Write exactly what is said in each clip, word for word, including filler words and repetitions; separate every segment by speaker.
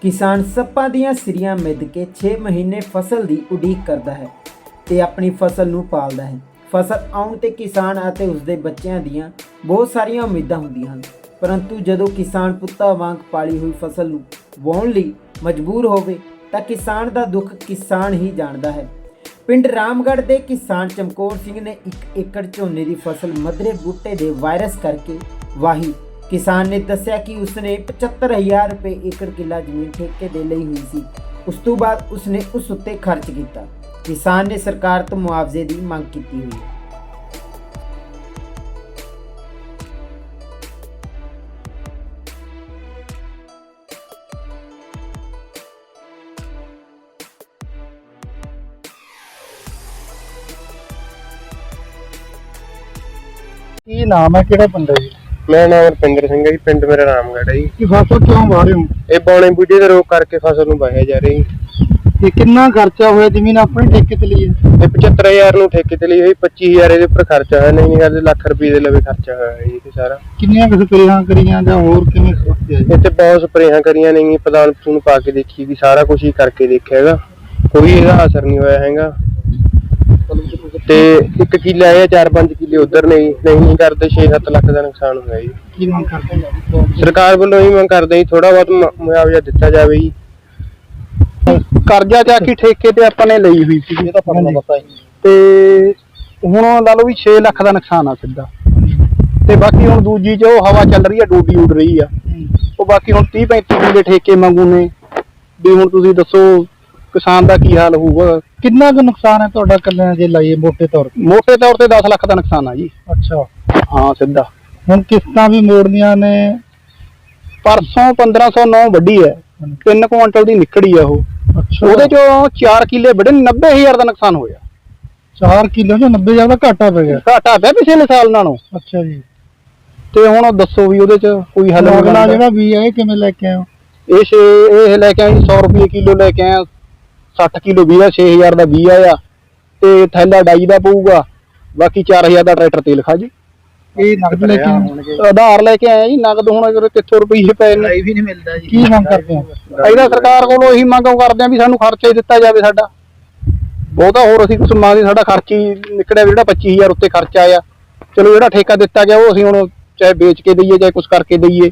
Speaker 1: किसान सप्पां दीआं सिरियां मिध के छे महीने फसल की उड़ीक करता है ते अपनी फसल नूं पालदा है। फसल आउण ते किसान ਅਤੇ ਉਸਦੇ ਬੱਚਿਆਂ ਦੀਆਂ ਬਹੁਤ ਸਾਰੀਆਂ ਉਮੀਦਾਂ ਹੁੰਦੀਆਂ ਹਨ, परंतु ਜਦੋਂ किसान ਪੁੱਤਾਂ ਵਾਂਗ ਪਾਲੀ ਹੋਈ फसल ਨੂੰ ਵਾਹੁਣ ਲਈ ਮਜਬੂਰ ਹੋਵੇ ਤਾਂ किसान ਦਾ ਦੁੱਖ किसान ਹੀ ਜਾਣਦਾ ਹੈ। ਪਿੰਡ ਰਾਮਗੜ੍ਹ ਦੇ किसान ਚਮਕੌਰ ਸਿੰਘ ਨੇ ਇੱਕ ਏਕੜ ਝੋਨੇ ਦੀ फसल ਮਧਰੇ ਬੂਟੇ ਦੇ ਵਾਇਰਸ ਕਰਕੇ ਵਾਹੀ। किसान ने दस्सिया कि उसने पचहत्तर हज़ार रुपये एकड़ किला जमीन ठेके दे लई हुई सी। उस तो बाद उसने उस उत्ते खर्च किया। किसान ने सरकार तो मुआवजे की मांग की हुई है।
Speaker 2: ਕੀ ਨਾਮ ਹੈ, ਕਿਹੜਾ ਪਿੰਡ ਹੈ ਜੀ?
Speaker 3: ਮੇਰਾ ਨਾਮ ਰਪਿੰਦਰ ਸਿੰਘ ਹੈ ਜੀ। ਪਿੰਡ ਮੇਰਾ ਰਾਮਗੜ੍ਹ ਹੈ ਜੀ।
Speaker 2: ਕੀ ਫਸਲ ਕਿਉਂ ਵਾਹ ਰਹੇ ਹੋ?
Speaker 3: ਇਹ ਬੌਣੇ ਬੂਝੇ ਦੇ ਰੋਗ ਕਰਕੇ ਫਸਲ ਨੂੰ ਵਾਹਿਆ ਜਾ ਰਹੀ।
Speaker 2: ਤੇ ਕਿੰਨਾ ਖਰਚਾ ਹੋਇਆ ਜ਼ਮੀਨ ਆਪਣੇ ਠੇਕੇ ਤੇ ਲਈ ਹੈ?
Speaker 3: ਇਹ ਪਚੱਤਰ ਹਜ਼ਾਰ ਨੂੰ ਠੇਕੇ ਤੇ ਲਈ ਹੋਈ, ਪੱਚੀ ਹਜ਼ਾਰ ਇਹਦੇ ਉੱਪਰ ਖਰਚਾ ਹੋਇਆ, ਨਹੀਂ ਕਰਦੇ ਲੱਖ ਰੁਪਏ ਦੇ ਲਵੇ ਖਰਚਾ ਹੋਇਆ ਹੈ ਜੀ ਤੇ ਸਾਰਾ।
Speaker 2: ਕਿੰਨੀਆਂ ਕੁ ਸਪਰੇਆਂ ਕਰੀਆਂ ਜਾਂ ਹੋਰ ਕਿਵੇਂ ਸੋਚਿਆ ਜੀ?
Speaker 3: ਇੱਥੇ ਬਹੁਤ ਸਪਰੇਆਂ ਕਰੀਆਂ ਨਹੀਂ, ਪਦਾਨ ਪੂਨ ਪਾ ਕੇ ਦੇਖੀ ਵੀ ਸਾਰਾ ਕੁਝ ਹੀ ਕਰਕੇ ਦੇਖਿਆ ਹੈਗਾ, ਕੋਈ ਇਹਦਾ ਅਸਰ ਨਹੀਂ ਹੋਇਆ ਹੈਗਾ। ਤੇ ਇੱਕ ਕਿੱਲਾ ਇਹ ਚਾਰ ਪੰਜ ਕਿੱਲੇ ਉਧਰ ਨੇ, ਨਹੀਂ ਕਰਦੇ ਛੇ ਸੱਤ ਲੱਖ ਦਾ ਨੁਕਸਾਨ ਹੋਇਆ ਜੀ।
Speaker 2: ਕੀ ਮੰਗ ਕਰਦੇ ਹੋ?
Speaker 3: ਸਰਕਾਰ ਵੱਲੋਂ ਹੀ ਮੰਗ ਕਰਦੇ ਜੀ ਥੋੜਾ ਬਹੁਤ ਮੁਆਵਜ਼ਾ ਦਿੱਤਾ ਜਾਵੇ ਜੀ।
Speaker 2: ਕਰਜ਼ਾ ਜਾ ਕੇ ਠੇਕੇ ਤੇ ਆਪਾਂ ਨੇ ਲਈ ਹੋਈ ਸੀ, ਇਹ ਤਾਂ ਪਤਾ ਪਤਾ ਹੀ। ਤੇ ਹੁਣ ਲਾ ਲਓ ਵੀ ਛੇ ਲੱਖ ਦਾ ਨੁਕਸਾਨ ਆ ਸਿੱਧਾ। ਤੇ ਬਾਕੀ ਹੁਣ ਦੂਜੀ ਚ ਉਹ ਹਵਾ ਚੱਲ ਰਹੀ ਆ, ਡੂਡੀ ਉੱਡ ਰਹੀ ਆ। ਉਹ ਬਾਕੀ ਹੁਣ ਤੀਹ ਪੈਂਤੀ ਕਿੱਲੇ ਠੇਕੇ ਮੰਗੂ ਨੇ ਵੀ। ਹੁਣ ਤੁਸੀਂ ਦੱਸੋ ਕਿਸਾਨ ਦਾ ਕੀ ਹਾਲ ਹੋਊਗਾ? ਕਿੰਨਾ ਕੁ ਨੁਕਸਾਨ ਹੈ ਤੁਹਾਡਾ ਕੱਲਿਆਂ ਜੇ ਲਾਈਏ ਮੋਟੇ ਤੌਰ ਤੇ? ਮੋਟੇ ਤੌਰ ਤੇ ਦਸ ਲੱਖ ਦਾ ਨੁਕਸਾਨ ਆ ਜੀ। ਅੱਛਾ, ਹਾਂ ਸਿੱਧਾ। ਹੁਣ ਕਿਸ਼ਤਾਂ ਵੀ ਮੋੜਨੀਆਂ ਨੇ। ਪਰਸੋਂ ਪੰਦਰਾਂ ਸੌ ਨੌ ਵੱਡੀ ਹੈ, ਤਿੰਨ ਕੁਆਂਟਲ ਦੀ ਨਿਕੜੀ ਆ ਉਹ। ਅੱਛਾ, ਉਹਦੇ ਚੋਂ ਚਾਰ ਕਿੱਲੇ ਵੱਡੇ, ਨੱਬੇ ਹਜ਼ਾਰ ਦਾ ਨੁਕਸਾਨ ਹੋਇਆ। ਚਾਰ ਕਿੱਲੇ ਚੋਂ ਨੱਬੇ ਹਜ਼ਾਰ ਦਾ ਘਾਟਾ ਪੈ ਗਿਆ? ਘਾਟਾ ਪਿਆ ਪਿਛਲੇ ਸਾਲ ਨਾਲੋਂ। ਅੱਛਾ ਜੀ। ਤੇ ਹੁਣ ਦੱਸੋ ਵੀ ਉਹਦੇ ਚ ਕੋਈ ਹੱਲ? ਅਗਲਾ ਜਿਹੜਾ ਬੀਜ ਹੈ ਇਹ ਕਿਵੇਂ ਲੈ ਕੇ ਆਏ? ਇਹ ਛੇ ਇਹ ਲੈ ਕੇ ਆਏ ਸੌ ਰੁਪਏ ਕਿਲੋ ਲੈ ਕੇ ਆਏ। ਸੱਠ ਕਿਲੋ ਬੀਜ ਆ, ਛੇ ਹਜ਼ਾਰ ਦਾ ਬੀਜ ਆਇਆ ਤੇ ਥੈਲਾ ਡਾਈ ਦਾ ਪਊਗਾ, ਬਾਕੀ ਚਾਰ ਹਜ਼ਾਰ ਦਾ ਟਰੈਕਟਰ ਤੇਲ ਖਾ ਜੀ। ਇਹ ਨਗਦ ਲੈ ਕੇ ਆਧਾਰ ਲੈ ਕੇ ਆਏ ਜੀ। ਨਗਦ ਹੁਣ ਕਿੱਥੋਂ ਰੁਪਈਏ ਪਏ ਨੇ, ਵੀ ਨਹੀਂ ਮਿਲਦਾ ਜੀ। ਕੀ ਮੰਗ ਕਰਦੇ ਆ? ਇਹਦਾ ਸਰਕਾਰ ਕੋਲੋਂ ਇਹੀ ਮੰਗ ਕਰਦੇ ਆ ਵੀ ਸਾਨੂੰ ਖਰਚਾ ਹੀ ਦਿੱਤਾ ਜਾਵੇ ਸਾਡਾ। ਬਹੁਤਾ ਹੋਰ ਅਸੀਂ ਕੁਛ ਮੰਗਦੇ, ਸਾਡਾ ਖਰਚ ਹੀ ਨਿਕਲਿਆ ਜਿਹੜਾ ਪੱਚੀ ਹਜ਼ਾਰ ਉੱਤੇ ਖਰਚਾ ਆਇਆ। ਚਲੋ ਜਿਹੜਾ ਠੇਕਾ ਦਿੱਤਾ ਗਿਆ ਉਹ ਅਸੀਂ ਹੁਣ ਚਾਹੇ ਵੇਚ ਕੇ ਦਈਏ ਚਾਹੇ ਕੁਛ ਕਰਕੇ ਦਈਏ।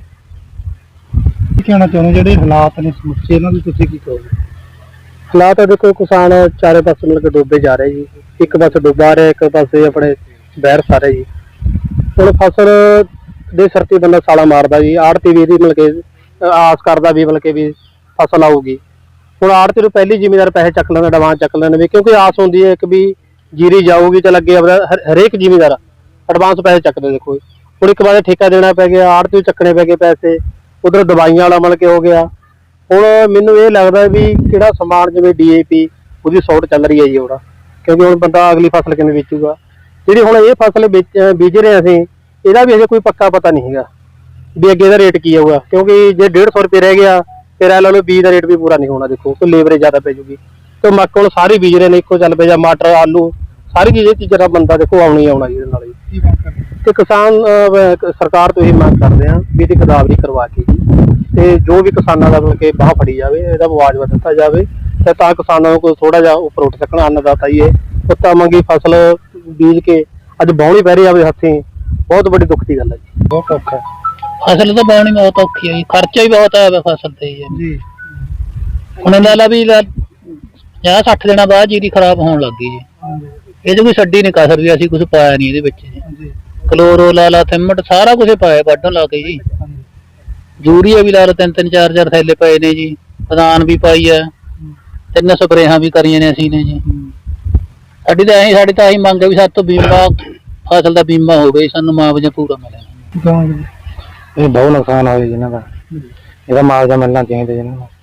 Speaker 2: ਕੀ ਕਹਿਣਾ ਚਾਹੁੰਦੇ ਜਿਹੜੇ ਹਾਲਾਤ ਨੇ ਸਮੁੱਚੇ, ਇਹਨਾਂ ਦੀ ਤੁਸੀਂ ਕੀ ਕਹੋਗੇ?
Speaker 3: ਹਾਲਾਤ ਦੇਖੋ, ਕਿਸਾਨ ਚਾਰੇ ਪਾਸੇ ਮਿਲ ਕੇ ਡੁੱਬੇ ਜਾ ਰਹੇ ਜੀ। ਇੱਕ ਪਾਸੇ ਡੁੱਬਾ ਰਿਹਾ, ਇੱਕ ਪਾਸੇ ਆਪਣੇ ਬਹਿਰ ਸਾਰੇ ਜੀ। ਹੁਣ ਫਸਲ ਦੇ ਸਿਰ ਤੇ ਬੰਦਾ ਸਾਲਾ ਮਾਰਦਾ ਜੀ। ਆੜਤੀ ਵੀ ਇਹਦੀ ਮਿਲ ਕੇ ਆਸ ਕਰਦਾ ਵੀ ਮਿਲ ਕੇ ਵੀ ਫਸਲ ਆਊਗੀ। ਹੁਣ ਆੜਤੀ ਨੂੰ ਪਹਿਲੀ ਜ਼ਿਮੀਦਾਰ ਪੈਸੇ ਚੱਕ ਲੈਂਦਾ, ਐਡਵਾਂਸ ਚੱਕ ਲੈਂਦੇ, ਕਿਉਂਕਿ ਆਸ ਹੁੰਦੀ ਹੈ ਕਿ ਵੀ ਜੀਰੀ ਜਾਊਗੀ ਚੱਲ ਅੱਗੇ। ਹਰੇਕ ਜ਼ਿਮੀਦਾਰ ਐਡਵਾਂਸ ਪੈਸੇ ਚੱਕਦੇ। ਦੇਖੋ ਹੁਣ ਇੱਕ ਵਾਰ ਠੇਕਾ ਦੇਣਾ ਪੈ ਗਿਆ, ਆੜਤੀ ਨੂੰ ਚੱਕਣੇ ਪੈ ਗਏ ਪੈਸੇ, ਉਧਰ ਦਵਾਈਆਂ ਵਾਲਾ ਮਿਲ ਕੇ ਹੋ ਗਿਆ। ਹੁਣ ਮੈਨੂੰ ਇਹ ਲੱਗਦਾ ਵੀ ਕਿਹੜਾ ਸਮਾਨ ਜਿਵੇਂ ਡੀ ਏ ਪੀ ਉਹਦੀ ਸੌਟ ਚੱਲ ਰਹੀ ਹੈ ਜੀ ਉਹਦਾ, ਕਿਉਂਕਿ ਹੁਣ ਬੰਦਾ ਅਗਲੀ ਫਸਲ ਕਿਵੇਂ ਵੇਚੂਗਾ। ਜਿਹੜੀ ਹੁਣ ਇਹ ਫਸਲ ਵੇਚ ਬੀਜ ਰਹੇ ਅਸੀਂ, ਇਹਦਾ ਵੀ ਅਜੇ ਕੋਈ ਪੱਕਾ ਪਤਾ ਨਹੀਂ ਹੈਗਾ ਵੀ ਅੱਗੇ ਇਹਦਾ ਰੇਟ ਕੀ ਆਊਗਾ। ਕਿਉਂਕਿ ਜੇ ਡੇਢ ਸੌ ਰੁਪਏ ਰਹਿ ਗਿਆ, ਫਿਰ ਇਹ ਲਾ ਲਓ ਬੀਜ ਦਾ ਰੇਟ ਵੀ ਪੂਰਾ ਨਹੀਂ ਹੋਣਾ। ਦੇਖੋ ਕੋਈ ਲੇਬਰੇ ਜ਼ਿਆਦਾ ਪੈ ਜੂਗੀ। ਤੇ ਮੱਕ ਹੁਣ ਸਾਰੀ ਬੀਜ ਰਹੇ ਨੇ, ਇੱਕੋ ਚੱਲ ਪਏ ਜਾਂ ਮਟਰ ਆਲੂ ਸਾਰੀ ਚੀਜ਼ ਚੀਜ਼ਾਂ ਦਾ ਬੰਦਾ ਦੇਖੋ ਆਉਣੀ ਆਉਣਾ ਜੀ ਇਹਦੇ ਨਾਲ ਜੀ। ਤੇ ਕਿਸਾਨ ਸਰਕਾਰ ਤੋਂ ਇਹ ਮੰਗ ਕਰਦੇ ਆ ਵੀ ਇਹਦੀ ਗਦਾਵਰੀ ਕਰਵਾ ਕੇ ਜੀ, ਤੇ ਜੋ ਵੀ ਕਿਸਾਨਾਂ ਦਾ ਮਤਲਬ ਕਿ ਬਾਹ ਫੜੀ ਜਾਵੇ, ਇਹਦਾ ਮੁਆਵਜ਼ਾ ਦਿੱਤਾ ਜਾਵੇ ਤੇ ਤਾਂ ਕਿਸਾਨਾਂ ਨੂੰ ਕੋਈ ਥੋੜਾ ਜਿਹਾ ਉੱਪਰ ਉੱਠ ਸਕਣ। ਅੰਨਦਾਤਾ ਹੀ ਇਹ ਪੁੱਤਾਂ ਮੰਗੀ ਫਸਲ ਬੀਜ ਕੇ ਅੱਜ ਵਾਹੁਣੀ ਪੈ ਰਹੀ ਆਵੇ ਹੱਥੀਂ, ਬਹੁਤ ਵੱਡੀ ਦੁੱਖ ਦੀ ਗੱਲ ਹੈ ਜੀ। ਬਹੁਤ ਔਖਾ
Speaker 4: ਫਸਲ ਤਾਂ ਵਾਹੁਣੀ ਬਹੁਤ ਔਖੀ ਹੈ ਜੀ, ਖਰਚਾ ਹੀ ਬਹੁਤ ਆਇਆ ਫਸਲ ਤੇ ਜੀ। ਹੁਣ ਇਹਨਾਂ ਲਾ ਵੀ ਪੰਜਾਹ ਸੱਠ ਦਿਨਾਂ ਬਾਅਦ ਜੀਰੀ ਖਰਾਬ ਹੋਣ ਲੱਗ ਗਈ ਜੀ। ਇਹਦੇ ਕੋਈ ਛੱਡੀ ਨਹੀਂ ਕਸਰ ਵੀ ਅਸੀਂ ਕੁਛ ਪਾਇਆ ਨਹੀਂ ਇਹਦੇ ਵਿੱਚ ਜੀ। ਕਲੋਰੋ ਲਾ ਲਾ, ਥਿਮਟ ਸਾਰਾ ਕੁਛ ਪਾਇਆ ਵੱਢਣ ਲਾ ਕੇ ਜੀ। ਯੂਰੀਆ ਵੀ ਲਾ ਲਾ, ਤਿੰਨ ਤਿੰਨ ਚਾਰ ਚਾਰ ਥੈਲੇ ਪਏ ਨੇ ਜੀ। ਪਦਾਨ ਵੀ ਪਾਈ ਆ, ਤਿੰਨ ਸਪਰੇਹਾਂ ਵੀ ਕਰੀਆਂ ਨੇ ਅਸੀਂ ਨੇ ਜੀ। ਸਾਡੀ ਤਾਂ ਐਂ ਸਾਡੀ ਤਾਂ ਇਹੀ ਮੰਗ ਹੈ ਵੀ ਸਾਡੇ ਤੋਂ ਬੀਮਾ ਫਸਲ ਦਾ ਬੀਮਾ ਹੋ ਗਿਆ, ਸਾਨੂੰ ਮੁਆਵਜ਼ਾ ਪੂਰਾ ਮਿਲੇ।
Speaker 3: ਇਹ ਬਹੁਤ ਨੁਕਸਾਨ ਹੋਇਆ ਜਿਹਨਾਂ ਦਾ, ਇਹਦਾ ਮੁਆਵਜ਼ਾ ਮਿਲਣਾ ਚਾਹੀਦਾ ਜਿਹਨਾਂ ਨੂੰ।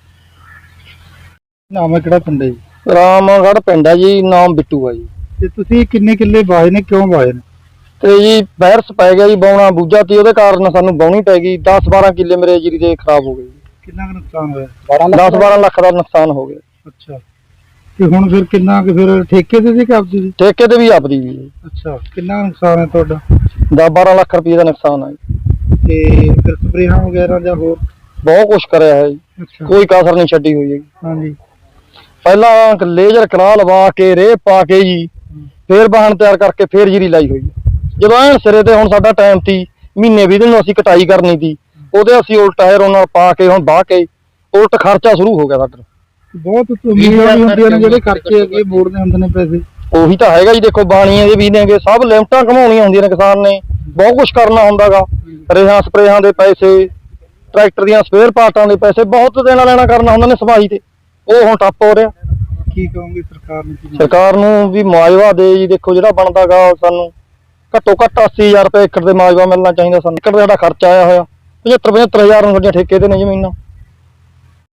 Speaker 2: ਨਾਮ ਹੈ, ਕਿਹੜਾ ਪਿੰਡ ਹੈ ਜੀ?
Speaker 3: ਰਾਮਗੜ੍ਹ ਪਿੰਡ ਹੈ ਜੀ। ਨਾਮ ਬਿੱਟੂ ਆ ਜੀ।
Speaker 2: ਤੇ ਤੁਸੀਂ ਕਿੰਨੇ ਕਿੱਲੇ ਵਾਹੇ ਨੇ, ਕਿਉਂ ਵਾਹੇ ਨੇ?
Speaker 3: ਤੇ ਜੀ ਵਾਇਰਸ ਪੈ ਗਿਆ ਜੀ, ਬਾਉਣਾ ਬੂਝਾ ਤੇ ਉਹਦੇ ਕਾਰਨ ਸਾਨੂੰ ਬਾਉਣੀ ਪੈ ਗਈ। ਦਸ ਬਾਰਾਂ ਕਿੱਲੇ ਮੇਰੇ ਜੀਰੀ ਦੇ ਖਰਾਬ ਹੋ ਗਏ।
Speaker 2: ਕਿੰਨਾ ਕੁ ਨੁਕਸਾਨ ਹੋਇਆ?
Speaker 3: ਦਸ ਬਾਰਾਂ ਲੱਖ ਦਾ ਨੁਕਸਾਨ ਹੋ ਗਿਆ।
Speaker 2: ਅੱਛਾ, ਤੇ ਹੁਣ ਫਿਰ ਕਿੰਨਾ ਕੁ ਫਿਰ ਠੇਕੇ ਤੇ ਸੀ ਕਿ ਆਪਦੀ ਸੀ?
Speaker 3: ਠੇਕੇ ਤੇ ਵੀ ਆਪਦੀ ਵੀ।
Speaker 2: ਅੱਛਾ, ਕਿੰਨਾ ਨੁਕਸਾਨ ਹੈ ਤੁਹਾਡਾ?
Speaker 3: ਦਸ ਬਾਰਾਂ ਲੱਖ ਰੁਪਏ ਦਾ ਨੁਕਸਾਨ ਆ ਜੀ।
Speaker 2: ਤੇ ਫਿਰ ਸਪਰੇਹਾਂ ਵਗੈਰਾ ਜਾਂ ਹੋਰ
Speaker 5: ਬਹੁਤ ਕੁਛ ਕਰਿਆ ਹੈ ਜੀ,
Speaker 2: ਅੱਛਾ
Speaker 5: ਕੋਈ ਕਸਰ ਨਹੀਂ ਛੱਡੀ ਹੋਈ ਹੈ।
Speaker 2: ਹਾਂਜੀ
Speaker 5: ਪਹਿਲਾਂ ਲੇਜ਼ਰ ਕਰਾ ਲਵਾ ਕੇ ਰੇਹ ਪਾ ਕੇ ਜੀ ਫੇਰ ਬਾਹਣ ਤਿਆਰ ਕਰਕੇ ਫੇਰ ਜੀਰੀ ਲਾਈ ਹੋਈ ਹੈ। ਜਦੋਂ ਐਨ ਸਿਰੇ ਤੇ ਹੁਣ ਸਾਡਾ ਟਾਈਮ ਸੀ ਮਹੀਨੇ ਵੀਹ ਦਿਨ ਨੂੰ ਅਸੀਂ ਕਟਾਈ ਕਰਨੀ ਸੀ, ਉਹਦੇ ਅਸੀਂ ਉਲਟ ਹੈਰ ਨਾਲ ਪਾ ਕੇ ਹੁਣ ਵਾਹ ਕੇ ਉਲਟ ਖਰਚਾ ਸ਼ੁਰੂ ਹੋ ਗਿਆ ਸਾਡਾ।
Speaker 2: ਬਹੁਤ ਉਮੀਦਾਂ ਵੀ ਹੁੰਦੀਆਂ ਨੇ, ਜਿਹੜੇ ਖਰਚੇ ਅੱਗੇ ਮੋੜਨੇ ਹੁੰਦੇ ਨੇ ਪੈਸੇ।
Speaker 5: ਉਹੀ ਤਾਂ ਹੈਗਾ ਜੀ, ਦੇਖੋ ਬਾਣੀਆਂ ਦੇ ਵੀ ਨੇਗੇ, ਸਭ ਲਿਮਟਾਂ ਘਮਾਉਣੀਆਂ ਹੁੰਦੀਆਂ ਨੇ ਕਿਸਾਨ ਨੇ, ਬਹੁਤ ਕੁਛ ਕਰਨਾ ਹੁੰਦਾਗਾ, ਰੇਹਾਂ ਸਪਰੇਹਾਂ ਦੇ ਪੈਸੇ, ਟਰੈਕਟਰ ਦੀਆਂ ਸਪੇਅਰ ਪਾਰਟਾਂ ਦੇ ਪੈਸੇ, ਬਹੁਤ ਦੇਣਾ ਲੈਣਾ ਕਰਨਾ ਹੁੰਦਾ ਨੇ ਸਫਾਈ ਤੇ, ਉਹ ਹੁਣ ਟੱਪ ਹੋ ਰਿਹਾ।
Speaker 2: ਕੀ ਕਹੋਗੇ ਸਰਕਾਰ ਨੂੰ? ਕੀ
Speaker 5: ਸਰਕਾਰ ਨੂੰ ਵੀ ਮੁਆਵਜ਼ਾ ਦੇ ਜੀ, ਦੇਖੋ ਜਿਹੜਾ ਬਣਦਾਗਾ ਸਾਨੂੰ ਘੱਟੋ ਘੱਟ ਅੱਸੀ ਹਜ਼ਾਰ ਰੁਪਏ ਏਕੜ ਦੇ ਮੁਆਵਜ਼ਾ ਮਿਲਣਾ ਚਾਹੀਦਾ ਸਾਨੂੰ। ਏਕੜ ਦਾ ਸਾਡਾ ਖਰਚਾ ਆਇਆ ਹੋਇਆ ਪਝੱਤਰ ਪਝੱਤਰ ਹਜ਼ਾਰ ਨੂੰ ਸਾਡੀਆਂ ਠੇਕੇ ਤੇ ਨੇ ਜ਼ਮੀਨਾਂ।